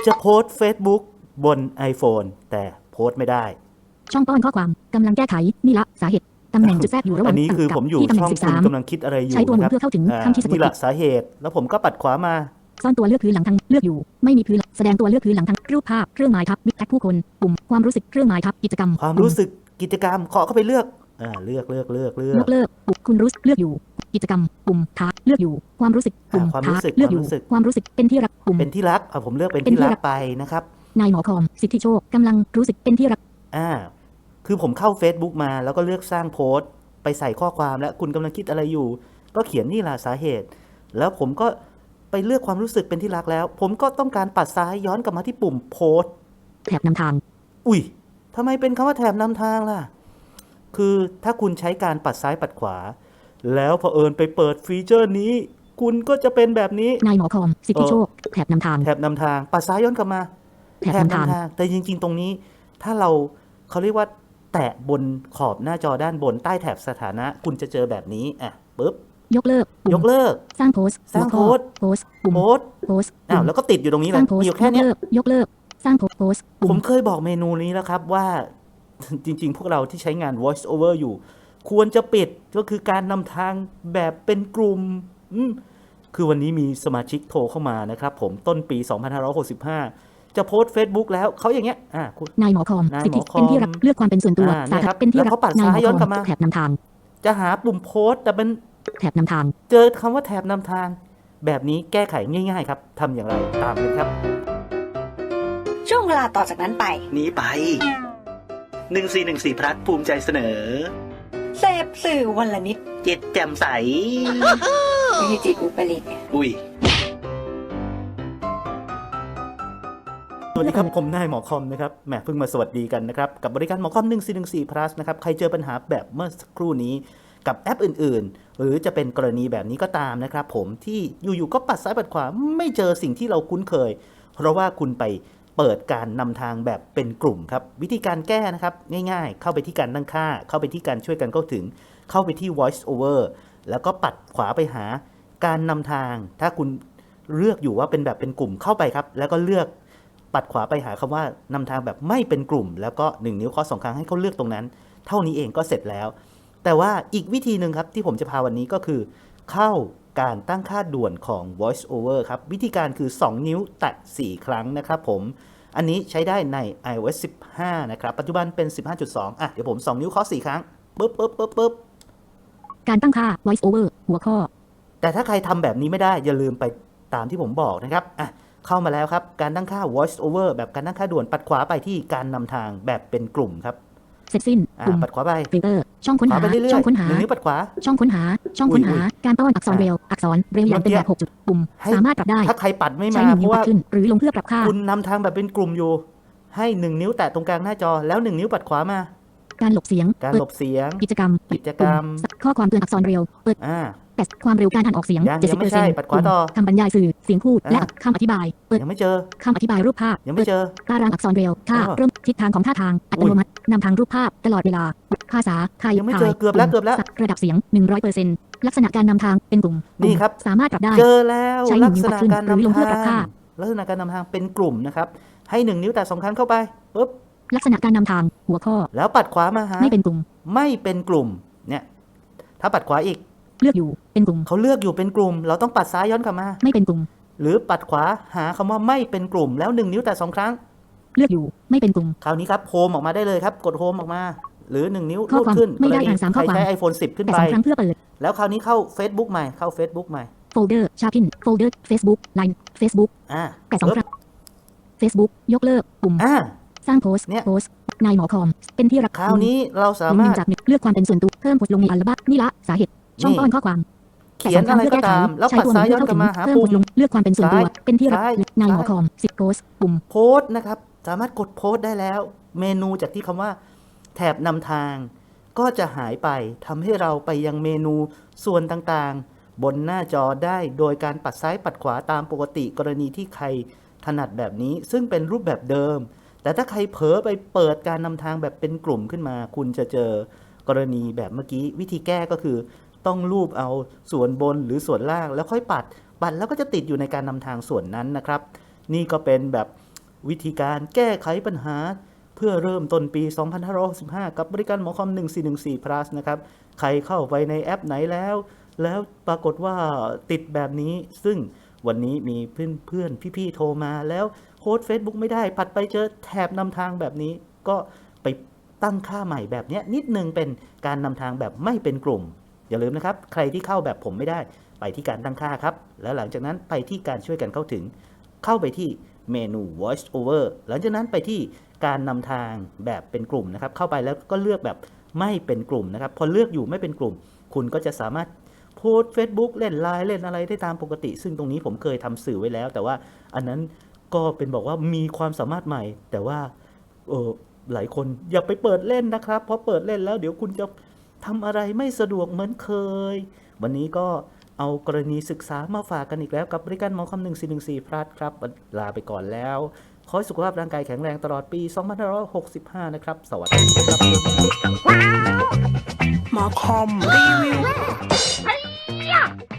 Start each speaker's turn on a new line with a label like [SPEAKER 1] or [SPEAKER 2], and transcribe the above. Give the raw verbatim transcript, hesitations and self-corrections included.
[SPEAKER 1] จะโพสต์ Facebook บน iPhone แต่โพสต์ไม่ได้
[SPEAKER 2] ช่องป้อนข้อความกำลังแก้ไขนี่ละสาเหตุตำแหน่งจุดแทรกอยู่ระหว่าง
[SPEAKER 1] อันนี้คือผมอยู่ช่องคุณกำลังคิดอะไรอยู่
[SPEAKER 2] ใช้ตัวหมุนเพื่อเข้าถึงคำที่สะกด
[SPEAKER 1] นี่ละสาเหตุแล้วผมก็ปัดขวามา
[SPEAKER 2] ซ่อนตัวเลือกพื้นหลังทางเลือกอยู่ไม่มีพื้นแสดงตัวเลือกพื้นหลังทางรูปภาพเครื่องหมายทับบิ๊กแท็กผู้คนปุ่มความรู้สึกเครื่องหมายทับกิจกรรม
[SPEAKER 1] ความรู้สึกกิจกรรมเคาะเข้าไปเลือกอ่าเลือกเลือกเลือกเลือก
[SPEAKER 2] ยกเลิกปุ่มคุณรู้เลือกอยู่กิจกรรมปุ่มท้าเลือกอยู่ความรู้สึกปุ่มท้าเลือกอยู่ความรู้สึกเป็นที่รักปุ่ม
[SPEAKER 1] เป็นที่รักอ่าผมเลือกเป็นที่รักไปนะครับ
[SPEAKER 2] นายหมอคอมสิทธิโชคกำลังรู้สึกเป็นที่รัก
[SPEAKER 1] อ่าคือผมเข้า Facebook มาแล้วก็เลือกสร้างโพสต์ไปใส่ข้อความและคุณกำลังคิดอะไรอยู่ก็เขียนนี่แหละสาเหตุแล้วผมก็ไปเลือกความรู้สึกเป็นที่รักแล้วผมก็ต้องการปัดซ้ายย้อนกลับมาที่ปุ่มโพสต์
[SPEAKER 2] แถบนำทาง
[SPEAKER 1] อุ้ยทำไมเป็นคำว่าแถบนำทางล่ะคือถ้าคุณใช้การปัดซ้ายปัดขวาแล้วเผอิญไปเปิดฟีเจอร์นี้คุณก็จะเป็นแบบนี้
[SPEAKER 2] นายหมอคอมสิทธิโชคแถบนำทาง
[SPEAKER 1] แถบนำทางปัดซ้ายย้อนกลับมา
[SPEAKER 2] แถบนำทาง
[SPEAKER 1] แต่จริงๆตรงนี้ถ้าเราเขาเรียกว่าแตะบนขอบหน้าจอด้านบนใต้แถบสถานะคุณจะเจอแบบนี้อ่ะปึ๊บ
[SPEAKER 2] ยกเลิก
[SPEAKER 1] ยกเลิก
[SPEAKER 2] สร้างโพสต์
[SPEAKER 1] สร้างโพสต์
[SPEAKER 2] โพสต์ปุ่ม
[SPEAKER 1] โพสต์
[SPEAKER 2] โพสต์
[SPEAKER 1] อ้าวแล้วก็ติดอยู่ตรงนี้เลยอยู่แค่นี้
[SPEAKER 2] ยกเลิกสร้างโพสต์
[SPEAKER 1] ผมเคยบอกเมนูนี้แล้วครับว่าจริงๆพวกเราที่ใช้งาน voice over อยู่ควรจะปิดก็คือการนำทางแบบเป็นกลุ่มคือวันนี้มีสมาชิกโทรเข้ามานะครับผมต้นปีสองพันห้าร้อยหกสิบห้าจะโพสต์ Facebook แล้วเขาอย่างเงี้ยอ่ะ
[SPEAKER 2] นายหมอคอมสิทธิเป็นที่รักเลือกความเป็นส่วนตัวสาธารณเป็นที่รัก
[SPEAKER 1] เขาปัดซ้ายย้อนกลับมา
[SPEAKER 2] แถบนำทาง
[SPEAKER 1] จะหาปุ่มโพสต์แต่เป็น
[SPEAKER 2] แถบนำทาง
[SPEAKER 1] เจอคำว่าแถบนำทางแบบนี้แก้ไขง่ายๆครับทำอย่างไรตามเลยครับ
[SPEAKER 3] ช่วงเวลาต่อจากนั้นไป
[SPEAKER 1] นี้ไปหนึ่งสี่หนึ่งสี่พลัสภูมิใจเสนอ
[SPEAKER 3] เสพสื่อวันละนิด
[SPEAKER 1] จิตแจ่มใส
[SPEAKER 3] ไม่ใช่จิตอุปริต
[SPEAKER 1] อุ้ยสวัสดีครับผมนายหมอคอมนะครับแหมเพิ่งมาสวัสดีกันนะครับกับบริการหมอคอมหนึ่งสี่หนึ่งสี่ plus นะครับใครเจอปัญหาแบบเมื่อสักครู่นี้กับแอปอื่นๆหรือจะเป็นกรณีแบบนี้ก็ตามนะครับผมที่อยู่ๆก็ปัดซ้ายปัดขวาไม่เจอสิ่งที่เราคุ้นเคยเพราะว่าคุณไปเปิดการนำทางแบบเป็นกลุ่มครับวิธีการแก้นะครับง่ายๆเข้าไปที่การตั้งค่าเข้าไปที่การช่วยกันเข้าถึงเข้าไปที่ voice over แล้วก็ปัดขวาไปหาการนำทางถ้าคุณเลือกอยู่ว่าเป็นแบบเป็นกลุ่มเข้าไปครับแล้วก็เลือกปัดขวาไปหาคำว่านำทางแบบไม่เป็นกลุ่มแล้วก็หนึ่งนิ้วเคาะสองครั้งให้เขาเลือกตรงนั้นเท่านี้เองก็เสร็จแล้วแต่ว่าอีกวิธีหนึ่งครับที่ผมจะพาวันนี้ก็คือเข้าการตั้งค่าด่วนของ voice over ครับวิธีการคือสองนิ้วแตะสี่ครั้งนะครับผมอันนี้ใช้ได้ใน iOS สิบห้านะครับปัจจุบันเป็น สิบห้าจุดสอง อ่ะเดี๋ยวผมสองนิ้วเคาะสี่ครั้งปึ๊บปึ๊บปึ๊บปึ๊บ
[SPEAKER 2] การตั้งค่า voice over หัวข้อ
[SPEAKER 1] แต่ถ้าใครทำแบบนี้ไม่ได้อย่าลืมไปตามที่ผมบอกนะครับอ่ะเข้ามาแล้วครับการตั้งค่า voice over แบบการตั้งค่าด่วนปัดขวาไปที่การนำทางแบบเป็นกลุ่มครับ
[SPEAKER 2] เสร็จสิ้น
[SPEAKER 1] ปุ่มปัดขวาไป
[SPEAKER 2] ฟิลเตอร์ช่องค้นหาช่องค้นหา
[SPEAKER 1] หนึ่งนิ้วปัดขวา
[SPEAKER 2] ช่องค้นหาช่องค้นหาการป้อนอักษรเบรลอักษรเบรลอย่างเป็นแบบหกจุดปุ่มสามารถปรับได้
[SPEAKER 1] ถ้าใครปัดไม่มาเพราะว่า
[SPEAKER 2] ขึ้นหรือลงเพื่อปรับค่า
[SPEAKER 1] คุณนำทางแบบเป็นกลุ่มอยู่ให้หนึ่งนิ้วแตะตรงกลางหน้าจอแล้วหนึ่งนิ้วปัดขวามา
[SPEAKER 2] การหลบเสียง
[SPEAKER 1] การหลบเสียง
[SPEAKER 2] กิจกรรม
[SPEAKER 1] กิจกรรม
[SPEAKER 2] ข้อความเตือนอักษรเบรลเปิด
[SPEAKER 1] อ่า
[SPEAKER 2] แต่ความเร็วการอ่านออกเสียง
[SPEAKER 1] เจ็ดสิบเปอร์เซ็นต์ ปัดขวาต่อ
[SPEAKER 2] คำบรรยายสื่อเสียงพูดและคำอธิบายเปิด
[SPEAKER 1] ยังไม่เจอ
[SPEAKER 2] คำอธิบายรูปภาพ
[SPEAKER 1] ยังไม่เจอ
[SPEAKER 2] ตารางอักษรเบรลท่าเริ่มทิศทางของท่าทางอัตโนมัตินำทางรูปภาพตลอดเวลาภาษาไทย
[SPEAKER 1] ยังไม่เจอเกือบแล้วเกือบแล้ว
[SPEAKER 2] ระดับเสียง หนึ่งร้อยเปอร์เซ็นต์ ลักษณะการนำทางเป็นกลุ่ม
[SPEAKER 1] นี่ครับ
[SPEAKER 2] สามารถปรับได้
[SPEAKER 1] เจอแล้วลักษณะการนำทางลักษณะการนำทางเป็นกลุ่มนะครับให้หนึ่งนิ้วแตะสองครั้งเข้าไปปึ๊บ
[SPEAKER 2] ลักษณะการนำทางหัวข้อ
[SPEAKER 1] แล้วปัดขวามาหา
[SPEAKER 2] ไม่เป็นกลุ่ม
[SPEAKER 1] ไม่เป็นกลุ่มเนี่ยถ้าปัดขวาอีก
[SPEAKER 2] เลือกอยู่เป็นกลุ่ม
[SPEAKER 1] เขาเลือกอยู่เป็นกลุ่มเราต้องปัดซ้ายย้อนกลับมา
[SPEAKER 2] ไม่เป็นกลุ่ม
[SPEAKER 1] หรือปัดขวาหาคำว่าไม่เป็นกลุ่มแล้วหนึ่งนิ้วแตะสองครั้ง
[SPEAKER 2] เลือกอยู่ไม่เป็นกลุ่ม
[SPEAKER 1] คราวนี้ครับโฮมออกมาได้เลยครับกดโฮมออกมาหรือหนึ่งนิ้วลูดขึ้น
[SPEAKER 2] ไม่ได้อ่านสามข้อความ
[SPEAKER 1] ใช้ iPhone สิบ ขึ้นไป
[SPEAKER 2] ครั้งเพื่อเปิด
[SPEAKER 1] แล้วคราวนี้เข้า Facebook ใหม่เข้า Facebook ใหม่
[SPEAKER 2] โฟลเดอร์ชาพินโฟลเดอร์ Facebook Line Facebook
[SPEAKER 1] อ่า
[SPEAKER 2] แต่สองครั้ง Facebook ยกเลิกปุ่ม
[SPEAKER 1] อ่า
[SPEAKER 2] สร้างโพสต์โพสต์นายหมอคอมเป็นที่รัก
[SPEAKER 1] คราวนี้เราสามารถ
[SPEAKER 2] จากเลือกความเป็นส่วนตัวเพิ่มโพสต์ลงในอัลบั้มนี่ละสาเหตุช่องป้อนข้อความ
[SPEAKER 1] เขียนอะไรก็ตามแล้วปัดซ้ายย้อนกลับมาหาปุ่ม
[SPEAKER 2] เลือกความเป็นส่วนตัวเป็นที่รักนายหมอคอมสิบโพสต์ปุ่ม
[SPEAKER 1] โพสต์นะครับสามารถกดโพสต์ได้แล้วเมนูจากที่คำว่าแถบนำทางก็จะหายไปทำให้เราไปยังเมนูส่วนต่างๆบนหน้าจอได้โดยการปัดซ้ายปัดขวาตามปกติกรณีที่ใครถนัดแบบนี้ซึ่งเป็นรูปแบบเดิมแต่ถ้าใครเผลอไปเปิดการนำทางแบบเป็นกลุ่มขึ้นมาคุณจะเจอกรณีแบบเมื่อกี้วิธีแก้ก็คือต้องลูบเอาส่วนบนหรือส่วนล่างแล้วค่อยปัดปัดแล้วก็จะติดอยู่ในการนำทางส่วนนั้นนะครับนี่ก็เป็นแบบวิธีการแก้ไขปัญหาเพื่อเริ่มต้นปี สองพันห้าร้อยหกสิบห้า กับบริการหมอคอม หนึ่งสี่หนึ่งสี่ plus นะครับใครเข้าไปในแอปไหนแล้ว แล้วปรากฏว่าติดแบบนี้ซึ่งวันนี้มีเพื่อนเพื่อนพี่ๆโทรมาแล้วโค้ด Facebook ไม่ได้ปัดไปเจอแถบนำทางแบบนี้ก็ไปตั้งค่าใหม่แบบนี้นิดนึงเป็นการนำทางแบบไม่เป็นกลุ่มอย่าลืมนะครับใครที่เข้าแบบผมไม่ได้ไปที่การตั้งค่าครับแล้วหลังจากนั้นไปที่การช่วยกันเข้าถึงเข้าไปที่เมนู voice over หลังจากนั้นไปที่การนำทางแบบเป็นกลุ่มนะครับเข้าไปแล้วก็เลือกแบบไม่เป็นกลุ่มนะครับพอเลือกอยู่ไม่เป็นกลุ่มคุณก็จะสามารถโพสต์ Facebook เล่น ไลน์ เล่นอะไรได้ตามปกติซึ่งตรงนี้ผมเคยทำสื่อไว้แล้วแต่ว่าอันนั้นก็เป็นบอกว่ามีความสามารถใหม่แต่ว่าเออหลายคนอย่าไปเปิดเล่นนะครับเพราะเปิดเล่นแล้วเดี๋ยวคุณจะทำอะไรไม่สะดวกเหมือนเคยวันนี้ก็เอากรณีศึกษามาฝากกันอีกแล้วกับบริการหมอคอม หนึ่งสี่หนึ่งสี่ plus ครับลาไปก่อนแล้วขอให้สุขภาพร่างกายแข็งแรงตลอดปี สองพันห้าร้อยหกสิบห้า นะครับสวัสดีครับ
[SPEAKER 4] หมอคอมรีวิว